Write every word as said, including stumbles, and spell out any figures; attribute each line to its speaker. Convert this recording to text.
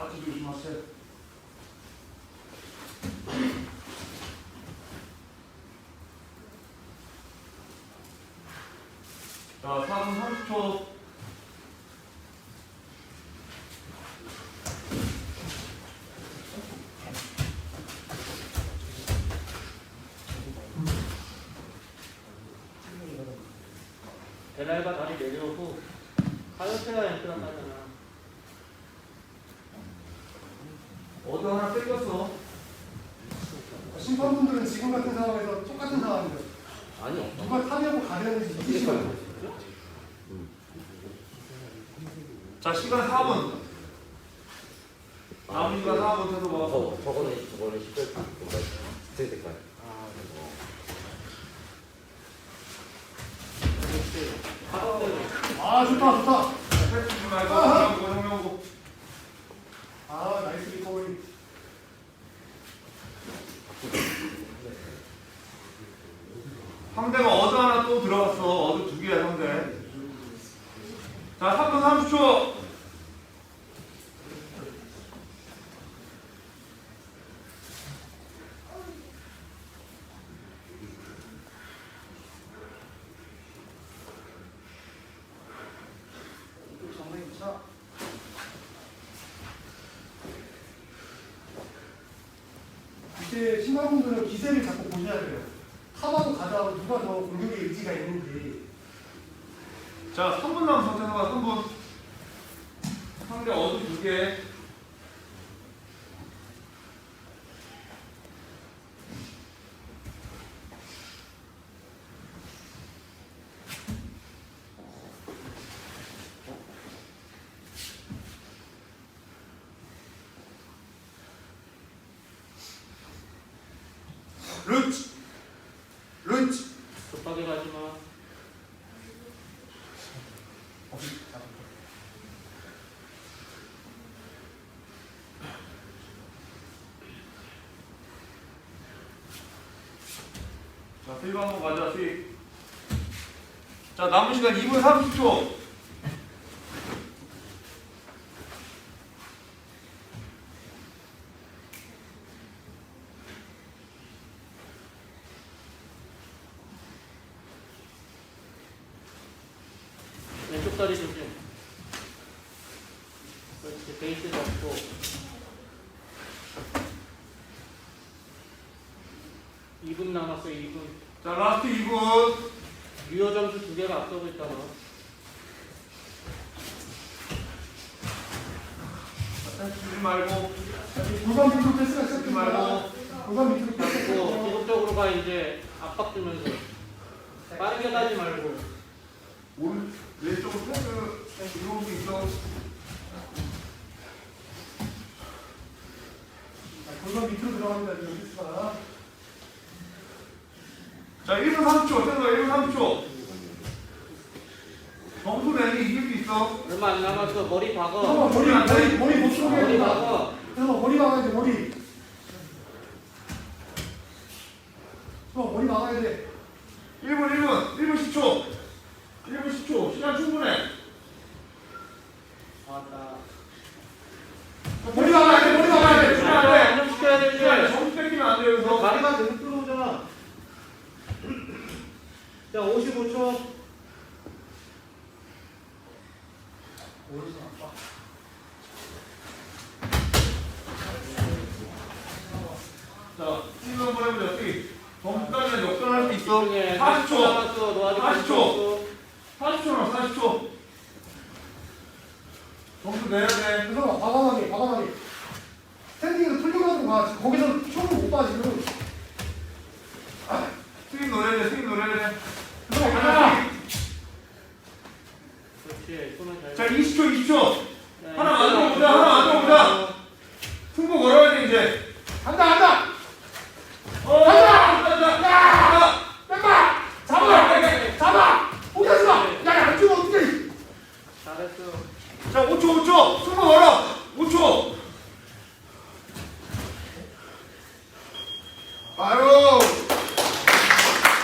Speaker 1: 아주 조심하세요. 자, 사 분 삼십 초.
Speaker 2: 베라이바 다리 내려오고 하이어트가 앵크랑 하잖아.
Speaker 1: 어디 하나 뺏겼어.
Speaker 3: 심판분들은 지금 같은 상황에서 똑같은 상황이죠.
Speaker 4: 아니요.
Speaker 3: 누가 타냐고 가려는지 이기시면 돼요.
Speaker 1: 자, 시간 사 분. 남은 시간 사 분 해서 뭐.
Speaker 4: 저, 저거는, 저거는 십칠 분. 색 색깔.
Speaker 2: 아,
Speaker 3: 아 좋다 좋다.
Speaker 1: 패스 주지 말고 정명고 정명고.
Speaker 3: 아 나이스 리커버리.
Speaker 1: 상대가 어드 하나 또 들어갔어. 어드 두 개야 상대. 자, 삼 분 삼십 초.
Speaker 3: 정말 좋다. 이제 심판분들은 기세를 자꾸 보셔야 돼요. 타마도 가다가 누가 더 공격의 의지가 있는지.
Speaker 1: 자, 삼 분 남은 상태가 삼 분. 상대 어드 두 개. 룬치 룬치.
Speaker 2: 급하게 가지 마.
Speaker 1: 자, 스윕 한번 가자. 스윕. 자, 남은 시간 이 분 삼십 초.
Speaker 2: 왼쪽 다리 조심. 그렇지, 베이스 잡고. 이 분 남았어, 이 분.
Speaker 1: 자, 라스트 이 분.
Speaker 2: 유효 점수 두 개가 앞서고 있잖아.
Speaker 1: 주지 말고.
Speaker 3: 골반 밑으로 패스가
Speaker 1: 주지
Speaker 3: 시작됩니다.
Speaker 1: 말고.
Speaker 3: 골반 밑으로
Speaker 2: 그리고
Speaker 3: 패스.
Speaker 2: 계속적으로 가 이제 압박 주면서 빠르게 가지 말고.
Speaker 1: 오른 왼쪽으로 패스 이런 게 있어.
Speaker 3: 골반 밑으로 들어갑니다. 지금 패스가.
Speaker 1: 자, 일 분 삼십 초. 센터 일 분 삼십 초. 점수 내기 이길 수 있어.
Speaker 2: 얼마 안 남았어. 머리 박어.
Speaker 3: 잠깐만 머리 머리 머리 못 쏘게.
Speaker 2: 머리 박어.
Speaker 3: 잠깐만 머리 막아야 돼 머리. 어 머리 막아야 돼.
Speaker 1: 일 분 일 분 일 분 십 초. 일 분 십 초. 시간 충분해.
Speaker 2: 맞다.
Speaker 3: 머리 막아야 돼 머리 막아야 돼.
Speaker 1: 주면 안 돼.
Speaker 2: 안정시켜야 되지.
Speaker 1: 점수 뺏기면 안 돼, 여기서.
Speaker 2: 다리만 계속 들어오잖아. 자, 오십오 초.
Speaker 1: 자, 스윕 한번 해보자. 스윕. 점수 따면 역전할 수 있어.
Speaker 2: 집중해.
Speaker 1: 사십 초.
Speaker 2: 남았어. 너 아직
Speaker 1: 사십 초.
Speaker 2: 없어.
Speaker 1: 사십 초 남았어, 사십 초. 점수 내야 돼.
Speaker 3: 잠깐만 과감하게 과감하게. 스탠딩으로 풀리가지고 가. 거기서 총을 못 봐 지금.
Speaker 1: 스윕 노려야 돼, 스윕 노려야 돼.
Speaker 3: 잠깐만 가자.
Speaker 2: 그렇지. 손을 잘.
Speaker 1: 자, 이십 초, 이십 초.
Speaker 2: 자,
Speaker 1: 하나
Speaker 2: 이제
Speaker 1: 만들어보자, 하나 만들어보자. 승부 걸어야 돼, 이제.
Speaker 3: 간다 간다.
Speaker 1: 어,
Speaker 3: 가자!
Speaker 1: 간다, 간다.
Speaker 3: 뺀다. 잡아. 잡아. 포기하지 마. 야야 안 주면 어떡해.
Speaker 2: 잘했어.
Speaker 1: 자, 오 초, 오 초. 승부 걸어. 오 초. 아유.